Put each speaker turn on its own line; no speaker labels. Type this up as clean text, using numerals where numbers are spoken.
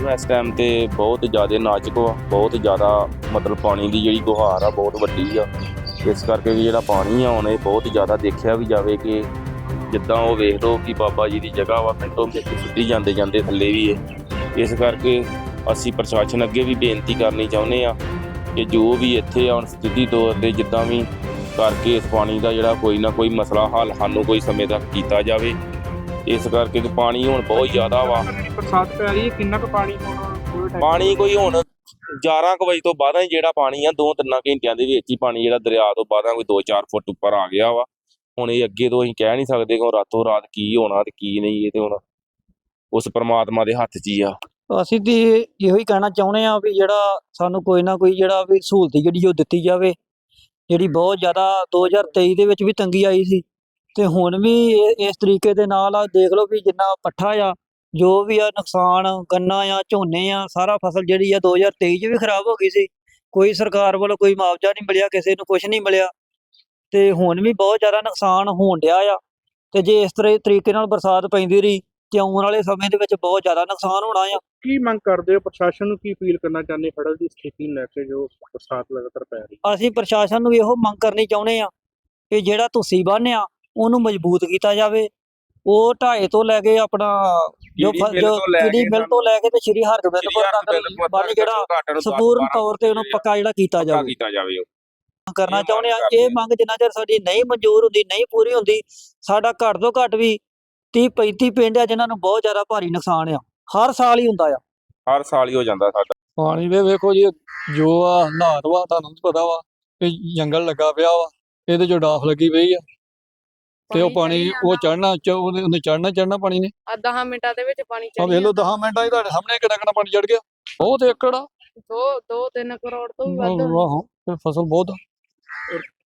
इस टाइम ते बहुत ज़्यादा नाजुक वा, बहुत ज़्यादा मतलब पानी की जी गुहार आ बहुत वड्डी आ। इस करके भी जिहड़ा पानी आ हुण बहुत ज़्यादा देखा भी जाए कि जिद्दां वो वेख लो कि बाबा जी की जगह वा मिंटों मिंट सुट्टी जाते जाते थल्ले भी है। इस करके असीं प्रशासन अगे भी बेनती करनी चाहुंदे आ कि जो भी इत्थे हुण स्थिति तौर ते जिद्दां भी करके इस पानी का जिहड़ा कोई ना कोई मसला हल सानूं कोई समय तक कीता जावे। इस करके कि पानी हुण बहुत ज़्यादा वा।
बरसात पै रही है किन्ना क पानी होना
पानी कोई हुण 11 ਕੁ ਵਜੇ ਤੋਂ ਬਾਅਦ ਹੀ ਜਿਹੜਾ ਪਾਣੀ ਆ 2-3 ਘੰਟਿਆਂ ਦੇ ਵਿੱਚ ਹੀ ਪਾਣੀ ਜਿਹੜਾ ਦਰਿਆ ਤੋਂ ਬਾਅਦ ਕੋਈ 2-4 ਫੁੱਟ ਉੱਪਰ ਆ ਗਿਆ ਵਾ। ਹੁਣ ਇਹ ਅੱਗੇ ਤੋਂ ਅਸੀਂ ਕਹਿ ਨਹੀਂ ਸਕਦੇ ਕਿ ਰਾਤੋਂ ਰਾਤ ਕੀ ਹੋਣਾ ਤੇ ਕੀ ਨਹੀਂ, ਇਹ ਤੇ ਹੁਣ ਉਸ ਪ੍ਰਮਾਤਮਾ ਦੇ ਹੱਥ 'ਚ ਹੀ ਆ।
ਅਸੀਂ ਤੇ ਇਹੋ ਹੀ ਕਹਿਣਾ ਚਾਹੁੰਦੇ ਆ ਵੀ ਜਿਹੜਾ ਸਾਨੂੰ ਕੋਈ ਨਾ ਕੋਈ ਜਿਹੜਾ ਵੀ ਸਹੂਲਤ ਜਿਹੜੀ ਉਹ ਦਿੱਤੀ ਜਾਵੇ। ਜਿਹੜੀ ਬਹੁਤ ਜ਼ਿਆਦਾ 2023 ਦੇ ਵਿੱਚ ਵੀ ਤੰਗੀ ਆਈ ਸੀ ਤੇ ਹੁਣ ਵੀ ਇਸ ਤਰੀਕੇ ਦੇ ਨਾਲ ਆ। ਦੇਖ ਲਓ ਵੀ ਜਿੰਨਾ ਪੱਠਾ ਆ ਜੋ ਵੀ ਆ ਨੁਕਸਾਨ ਗੰਨਾ ਆ ਝੋਨੇ ਆ ਸਾਰਾ ਫਸਲ ਜਿਹੜੀ ਆ 2023 ਚ ਵੀ ਖਰਾਬ ਹੋ ਗਈ ਸੀ। ਕੋਈ ਸਰਕਾਰ ਵੱਲੋਂ ਕੋਈ ਮੁਆਵਜ਼ਾ ਨਹੀਂ ਮਿਲਿਆ, ਕਿਸੇ ਨੂੰ ਕੁਝ ਨਹੀਂ ਮਿਲਿਆ ਤੇ ਹੁਣ ਵੀ ਬਹੁਤ ਜ਼ਿਆਦਾ ਨੁਕਸਾਨ ਹੋਣ ਡਿਆ ਆ। ਤੇ ਜੇ ਇਸ ਤਰੀਕੇ ਨਾਲ ਬਰਸਾਤ ਪੈਂਦੀ ਰਹੀ ਤੇ ਆਉਣ ਵਾਲੇ ਸਮੇਂ ਦੇ ਵਿੱਚ ਬਹੁਤ ਜ਼ਿਆਦਾ ਨੁਕਸਾਨ ਹੋਣਾ ਆ।
ਕੀ ਮੰਗ ਕਰਦੇ ਹੋ ਪ੍ਰਸ਼ਾਸਨ ਨੂੰ, ਕੀ ਅਪੀਲ ਕਰਨਾ ਚਾਹੁੰਦੇ ਹੜ੍ਹ ਦੀ ਸਥਿਤੀ ਨੂੰ ਲੈ ਕੇ ਜੋ ਬਰਸਾਤ ਲਗਾਤਾਰ ਪੈ ਰਹੀ?
ਅਸੀਂ ਪ੍ਰਸ਼ਾਸਨ ਨੂੰ ਇਹੋ ਮੰਗ ਕਰਨੀ ਚਾਹੁੰਦੇ ਆ ਕਿ ਜਿਹੜਾ ਤੁਸੀਂ ਬੰਨ੍ਹ ਆ ਉਹਨੂੰ ਮਜ਼ਬੂਤ ਕੀਤਾ ਜਾਵੇ। ਉਹ ਢਾਏ ਤੋਂ ਲੈ ਕੇ ਆਪਣਾ ਜੋ ਕੀੜੀ ਮਿਲ ਤੋਂ ਲੈ ਕੇ ਤੇ ਸ਼੍ਰੀ ਹਰਗੋਬਿੰਦਪੁਰ ਤੱਕ ਬੰਨ੍ਹ ਜਿਹੜਾ ਸੰਪੂਰਨ ਤੌਰ ਤੇ ਉਹਨੂੰ ਪੱਕਾ ਜਿਹੜਾ ਕੀਤਾ ਜਾਵੇ ਕਰਨਾ ਚਾਹੁੰਦੇ ਆ। ਇਹ ਮੰਗ ਜਿੰਨਾ ਚਿਰ ਸਾਡੀ ਨਹੀਂ ਮਨਜ਼ੂਰ ਹੁੰਦੀ, ਨਹੀਂ ਪੂਰੀ ਹੁੰਦੀ, ਸਾਡਾ ਘੱਟ ਤੋਂ ਘੱਟ ਵੀ 30-35 ਪਿੰਡ ਆ ਜਿਨ੍ਹਾਂ ਨੂੰ ਬਹੁਤ ਜ਼ਿਆਦਾ ਭਾਰੀ ਨੁਕਸਾਨ ਆ। ਹਰ ਸਾਲ ਹੀ ਹੁੰਦਾ ਆ,
ਹਰ ਸਾਲ ਹੀ ਹੋ ਜਾਂਦਾ ਸਾਡਾ
ਪਾਣੀ ਦੇ। ਵੇਖੋ ਜੀ ਜੋ ਆ ਹਾਲਾਤ ਵਾ ਤੁਹਾਨੂੰ ਪਤਾ ਵਾ ਕਿ ਜੰਗਲ ਲੱਗਾ ਪਿਆ ਵਾ, ਇਹਦੇ ਚੋਂ ਡਾਫ ਲੱਗੀ ਪਈ ਆ ਤੇ ਉਹ ਪਾਣੀ ਉਹ ਉਹਨੇ ਚੜਨਾ ਪਾਣੀ ਨੇ
10 ਮਿੰਟਾਂ ਦੇ ਵਿੱਚ ਪਾਣੀ
ਆ ਵੇਖ ਲਓ 10 ਮਿੰਟਾਂ ਹੀ ਤੁਹਾਡੇ ਸਾਹਮਣੇ ਕਿੰਨਾ ਪਾਣੀ ਚੜ ਗਿਆ। ਬਹੁਤ ਏਕੜ ਆ,
2-3 ਕਰੋੜ ਤੋਂ ਵੀ ਵੱਧ
ਆਹੋ ਫਸਲ ਬਹੁਤ ਆ।